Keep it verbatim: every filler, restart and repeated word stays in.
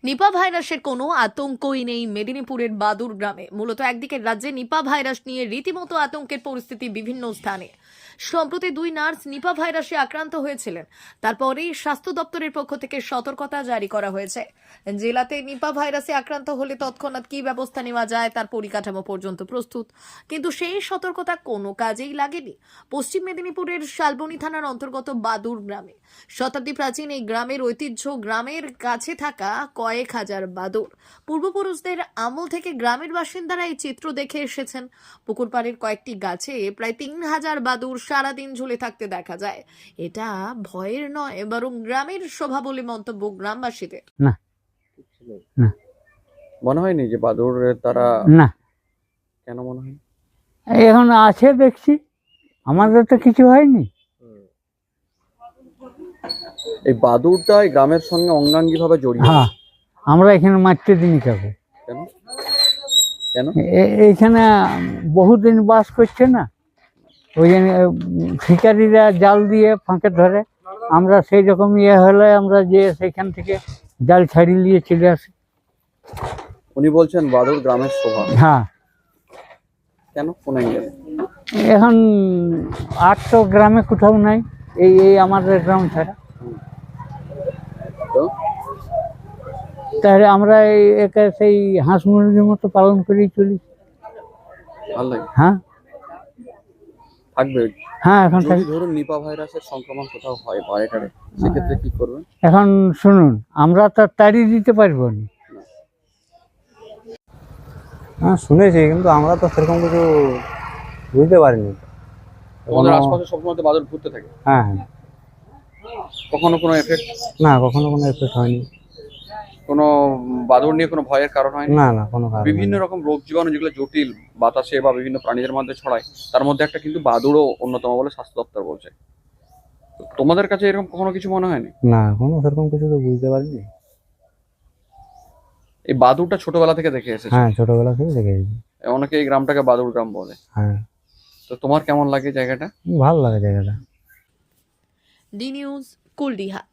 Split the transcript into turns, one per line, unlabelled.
নিপা ভাইরাসের কোনো আতঙ্কই নেই মেদিনীপুরের বাদুর গ্রামে। মূলত একদিকে রাজ্যে নিপা ভাইরাস নিয়ে রীতিমতো আতঙ্কের পরিস্থিতি বিভিন্ন স্থানে। সম্প্রতি দুই নার্স নিপা ভাইরাসে আক্রান্ত হয়েছিলেন, তারপরেই স্বাস্থ্য দপ্তরের পক্ষ থেকে সতর্কতা জারি করা হয়েছে। জেলাতে নিপা ভাইরাসে আক্রান্ত হলে তৎক্ষণাৎ কী ব্যবস্থা নেওয়া যায় তার পরিকাঠামো পর্যন্ত প্রস্তুত, কিন্তু সেই সতর্কতা কোনো কাজেই লাগেনি। পশ্চিম মেদিনীপুরের শালবনী থানার অন্তর্গত বাদুর গ্রামে শতাব্দী প্রাচীন এই গ্রামের ঐতিহ্য, গ্রামের কাছে থাকা কয়েক হাজার বাদুড়। পূর্বপুরুষদের আমল থেকে গ্রামের বাসিন্দারা এই চিত্র দেখে এসেছেন। পুকুর পাড়ের কয়েকটি গাছে প্রায় তিন হাজার বাদুড় সারাদিন ঝুলে থাকতে দেখা যায়। এটা ভয়ের নয়, বরং গ্রামের শোভা বলে মন্তব্য গ্রামবাসীদের।
না না
মনে হয়নি যে বাদুড় তারা
না
কেন মনে হয়?
এখন আছে দেখছি, আমাদের তো কিছু হয়নি।
এই বাদুড়টা এই গ্রামের সঙ্গে অঙ্গাঙ্গি ভাবে জড়িয়ে।
হ্যাঁ, আমরা এখানে মারতে দিনই কাউকে।
কেন কেন
এ- এইখানে বহুদিন বাস করছে না, ওই জন্য শিকারীরা জাল দিয়ে ফাঁকে ধরে। আমরা সেই রকম ইয়ে হলে আমরা যে সেখান থেকে জাল ছাড়িয়ে নিয়ে চলে আসি।
উনি বলছেন বাদুড় গ্রামের শোভা।
হ্যাঁ,
কেন কোন অ্যাঙ্গেলে?
এখন আর তো গ্রামে কোথাও নাই, এই এই আমাদের গ্রাম ছাড়া।
তো
তাহলে আমরা এই একে সেই হাঁস মুরগির মতো পালন করেই চলি।
ভালো লাগে,
হ্যাঁ
থাকবে।
হ্যাঁ এখন
যদি
থাকি।
ধরুন নিপা ভাইরাসের সংক্রমণ কোথাও হয় বাইরেটারে, সেক্ষেত্রে কি করবেন?
এখন শুনুন, আমরা তো তাড়িয়ে দিতে পারবো না।
হ্যাঁ শুনেছি, কিন্তু আমরা তো সেরকম কিছু বুঝতে পারিনি।
আমাদের
কোনো-
আশপাশে সবসময় তো বাদুড় ঘুরতে থাকে,
হ্যাঁ হ্যাঁ,
কখনো কোনো এফেক্ট,
না কখনো কোনো এফেক্ট হয়নি।
কোনো বাদুড় নিয়ে কোনো ভয়ের কারণ হয়
না না কোনো কারণ
বিভিন্ন রকম রোগ জীবাণু যেগুলো জটিল বাতাসে বা বিভিন্ন প্রাণীদের মধ্যে ছড়ায়, তার মধ্যে একটা কিন্তু বাদুড়ও অন্যতম বলে স্বাস্থ্য দপ্তর বলছে। তো তোমাদের কাছে এরকম কখনো কিছু মনে হয়নি?
নেই। না কোনো সেরকম কিছু তো বুঝতে পারিনি।
এই বাদুড়টা ছোটবেলা থেকে দেখে এসেছে,
হ্যাঁ ছোটবেলা থেকে দেখেছি।
অনেকে এই গ্রামটাকে বাদুড় গ্রাম বলে।
হ্যাঁ,
তো তোমার কেমন লাগে জায়গাটা?
ভালো লাগে জায়গাটা।
D news, কুলডিহা।